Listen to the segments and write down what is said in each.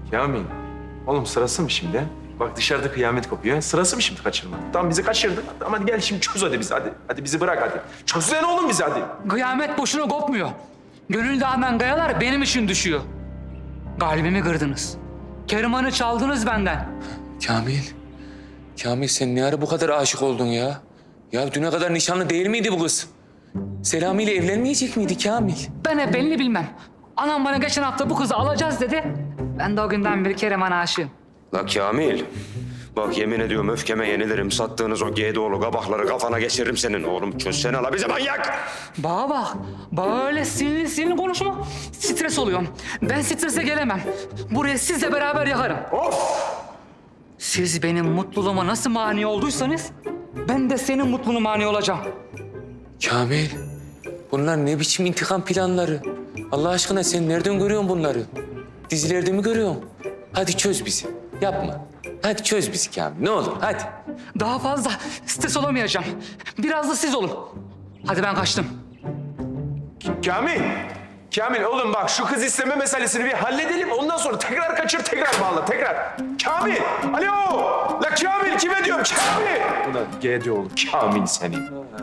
Kamil, oğlum sırası mı şimdi? Bak dışarıda kıyamet kopuyor. Sırası mı şimdi kaçırmak? Tamam bizi kaçırdın. Tamam hadi gel şimdi çöz hadi bizi hadi. Hadi bizi bırak hadi. Çözsene oğlum bizi hadi. Kıyamet boşuna kopmuyor. Gönül dağından kayalar benim için düşüyor. Kalbimi kırdınız. Keriman'ı çaldınız benden. Kamil. Kamil sen ne ara bu kadar aşık oldun ya? Ya düne kadar nişanlı değil miydi bu kız? Selami ile evlenmeyecek miydi Kamil? Ben hep belini bilmem. Anam bana geçen hafta bu kızı alacağız dedi. Ben de o günden beri Keriman'a aşığım. La Kamil, bak yemin ediyorum öfkeme yenilirim. Sattığınız o GDO'lu kabakları kafana geçiririm senin. Oğlum çözsene la bize manyak! Bana bak, böyle sinirli konuşma. Stres oluyorum. Ben strese gelemem. Burayı sizle beraber yakarım. Siz benim mutluluğuma nasıl mani olduysanız... ...ben de senin mutluluğuna mani olacağım. Kamil, bunlar ne biçim intikam planları? Allah aşkına sen nereden görüyorsun bunları? Dizilerde mi görüyorsun? Hadi çöz bizi. Yapma. Hadi çöz bizi Kamil. Ne olur hadi. Daha fazla stres olamayacağım. Biraz da siz olun. Hadi ben kaçtım. Kamil. Kamil oğlum bak şu kız isteme meselesini bir halledelim. Ondan sonra tekrar kaçır tekrar bağla tekrar. Kamil. Alo. La Kamil kime diyorum Kamil. Ulan GD oğlu Kamil senin.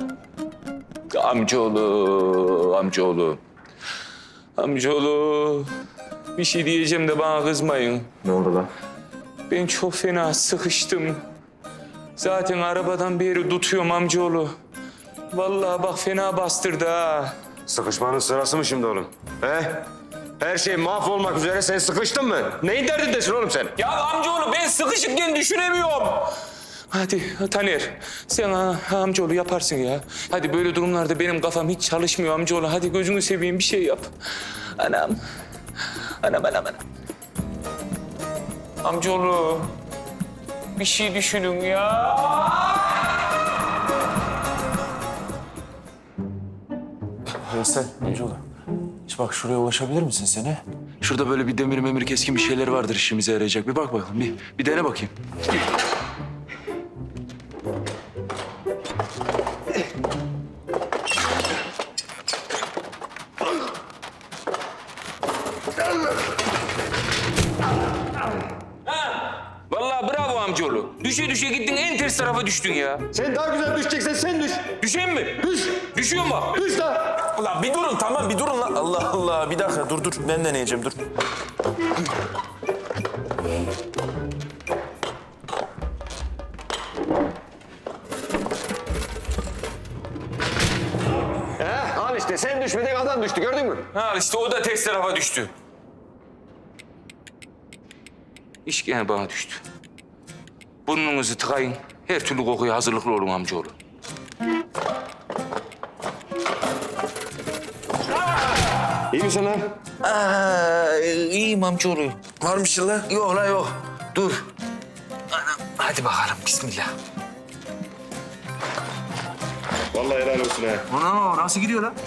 Amcaoğlu, amcaoğlu. Amcaoğlu. Bir şey diyeceğim de bana kızmayın. Ne oldu lan? Ben çok fena sıkıştım. Zaten arabadan beri tutuyorum amcaoğlu. Vallahi bak fena bastırdı ha. Sıkışmanın sırası mı şimdi oğlum? He? Her şey mahvolmak üzere, sen sıkıştın mı? Neyin derdindesin oğlum sen? Ya amcaoğlu ben sıkışıkken düşünemiyorum. Hadi Taner sen amcaoğlu yaparsın ya. Hadi böyle durumlarda benim kafam hiç çalışmıyor amcaoğlu. Hadi gözünü seveyim bir şey yap. Anam. Anam. Amcaoğlu bir şey düşünün ya. Veysel amcaoğlu. İşte bak şuraya ulaşabilir misin seni? Şurada böyle bir demir memir keskin bir şeyler vardır işimize yarayacak. Bir bak bakalım bir dene bakayım. Vallahi bravo amcaoğlu. Düşe gittin en ters tarafa düştün ya. Sen daha güzel düşeceksen sen düş. Düşeyim mi? Düş. Düşüyorum bak. Düş lan. Ulan bir durun tamam bir durun lan. Allah Allah bir dakika dur ben deneyeceğim dur. Al işte sen düşmedin adam düştü gördün mü? Ha işte o da ters tarafa düştü. İş gene bana düştü. Burnunuzu tıkayın. Her türlü kokuya hazırlıklı olun amcaoğlu. İyi misin lan? İyiyim amcaoğlu. Var mı şey lan? Yok la yok. Dur. Anam. Hadi bakalım bismillah. Vallahi helal olsun ha. Ana nasıl gidiyor lan?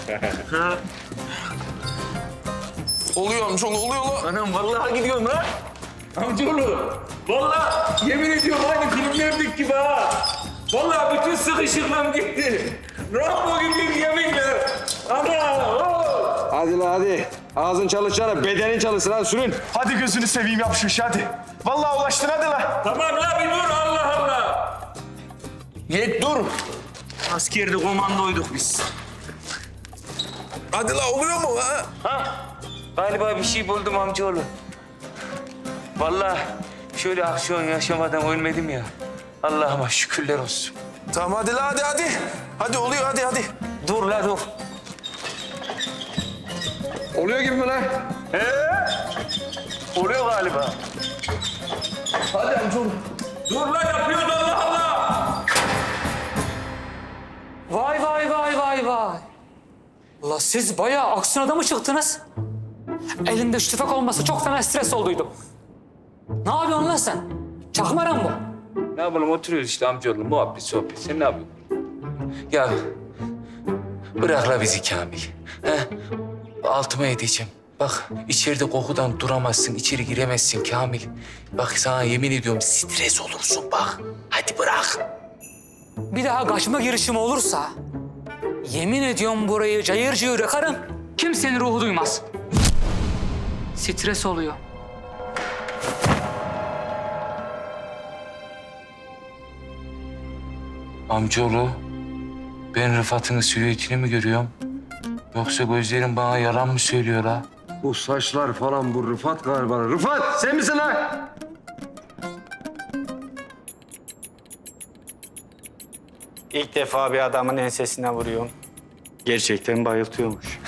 Oluyor amcaoğlu oluyor lan. Anam vallahi gidiyorum lan. Amcaoğlu. Vallahi yemin ediyorum aynı filmlerdeki gibi ha. Vallahi bütün sıkışıklığım gitti. Rambo gibiyim yeminle. Ana. Oh. Hadi la hadi. Ağzın çalışacağına bedenin çalışsın hadi sürün. Hadi gözünü seveyim yap şu işi hadi. Vallahi ulaştın hadi la. Tamam la bir dur Allah Allah. Yet dur. Askerde komandoyduk biz. Hadi la oluyor mu ha? Ha? Galiba bir şey buldum amcaoğlu. Vallahi şöyle aksiyon yaşamadan ölmedim ya. Allah'ıma şükürler olsun. Tamam hadi la hadi. Hadi oluyor hadi. Dur la dur. Oluyor gibi mi lan? Oluyor galiba. Hadi amcaoğlu. Dur la yapıyoruz Allah Allah. Vay. Ulan siz bayağı aksiyon adamı çıktınız. Elinde şu tüfek olmasa çok fena stres olduydum. Ne yapıyorsun lan sen? Çakmaran bu. Ne yapalım oturuyoruz işte amcaoğlu muhabbet sohbet. Sen ne yapıyorsun? Ya bırak la bizi Kamil. He? Altıma edeceğim. Bak içeride kokudan duramazsın, içeri giremezsin Kamil. Bak sana yemin ediyorum stres olursun bak. Hadi bırak. Bir daha kaçma girişimi olursa... ...yemin ediyorum burayı cayır cayır yakarım. Kimsenin ruhu duymaz. Stres oluyor. Amcaoğlu, ben Rıfat'ın silüetini mi görüyorum? Yoksa gözlerim bana yalan mı söylüyor ha? Bu saçlar falan bu Rıfat galiba. Rıfat sen misin lan? İlk defa bir adamın ensesine vuruyorum. Gerçekten bayıltıyormuş.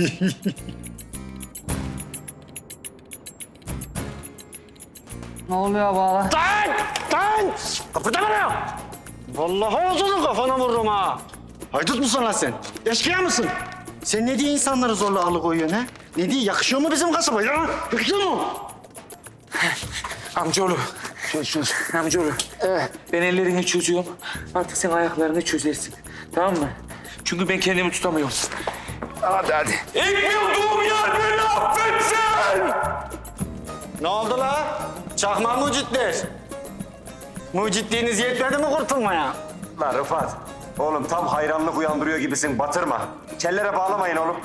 Ne oluyor baba? Lan! Kapıda bana! Vallahi ağzını kafana vururum ha. Haydut musun lan sen? Eşkıya mısın? Sen ne diye insanları zorla alıkoyuyorsun ha? Ne diye? Yakışıyor mu bizim kasaba ya? Yakışıyor mu? Amcaoğlu, amcaoğlu. Evet. Ben ellerini çözüyorum. Artık sen ayaklarını çözersin. Tamam mı? Çünkü ben kendimi tutamıyorum. Hadi. İlk bulduğum yer beni affetsin. Ne oldu la? Çakma mucitler. Mucitliğiniz yetmedi mi kurtulmaya? Lan Rıfat. Oğlum tam hayranlık uyandırıyor gibisin. Batırma. Kellere bağlamayın oğlum.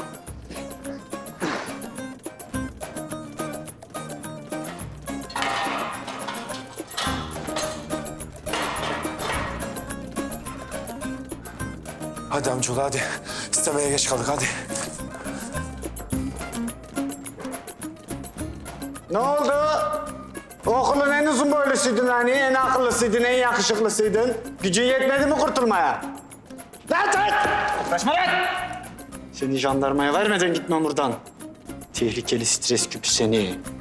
Hadi amcaoğlu hadi. İstemeye geç kaldık hadi. Ne oldu? Okulun en uzun boylusuydun hani, en akıllısıydın, en yakışıklısıydın. Gücün yetmedi mi kurtulmaya? Lan! Kaçma lan! Seni jandarmaya vermeden gitmem buradan. Tehlikeli stres küpü seni.